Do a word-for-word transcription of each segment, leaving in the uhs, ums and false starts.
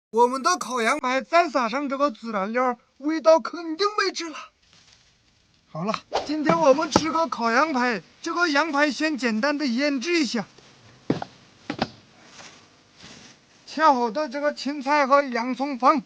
我们的烤羊排再撒上这个孜然料，味道肯定没治了。好了，今天我们吃个烤羊排，这个羊排先简单的腌制一下。切好的这个青菜和洋葱放，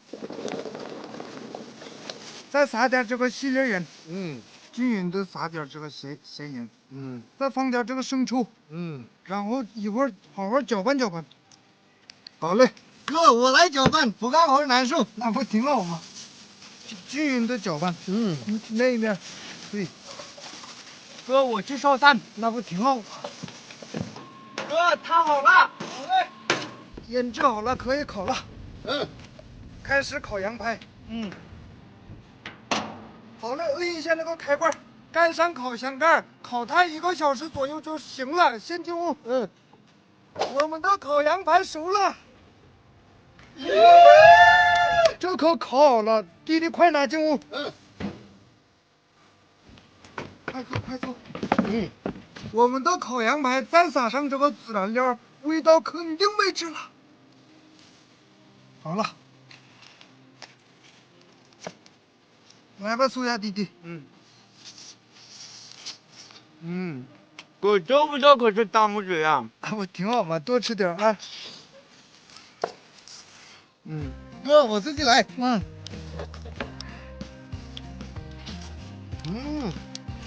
再撒点这个细粒盐， 嗯， 均匀的撒点这个咸咸盐， 嗯， 再放点这个生抽， 嗯， 然后一会儿好好搅拌搅拌。好嘞， 哥，我来搅拌，不干活难受。 那不挺好吗？均匀的搅拌， 嗯， 那一面，对， 哥，我去烧炭， 那不挺好吗？ 哥，烫好了。好嘞。 腌制好了，可以烤了。 嗯， 开始烤羊排。 嗯， 好了，摁一下那个开关，盖上烤箱盖，烤它一个小时左右就行了。先进屋。 嗯， 我们的烤羊排熟了。这可烤好了，弟弟快拿进屋。 嗯， 快坐，快坐。 嗯， 我们的烤羊排再撒上这个孜然料，味道肯定没治了。好了，来吧，苏亚弟弟。 嗯，嗯，哥，这味道可是大拇指呀。 啊，我挺好嘛，多吃点啊。 嗯，哥，我自己来。 嗯。 嗯，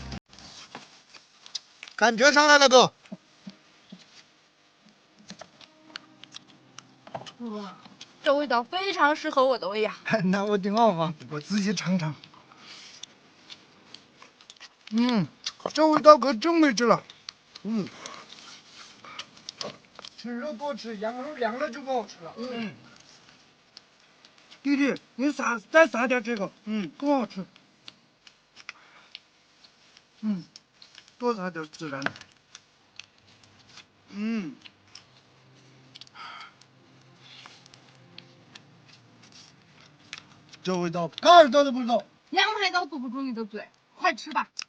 感觉上来了，哥。 哇，这味道非常适合我的胃呀！ 那我挺好嘛，我自己尝尝。嗯，这味道可真没治了。 嗯， 吃肉多吃，羊肉凉了就不好吃了。 嗯， 弟弟，你撒再撒点这个，嗯，更好吃。嗯，多撒点孜然。嗯， 这味道盖儿都不知道。 羊排都堵不住你的嘴，快吃吧！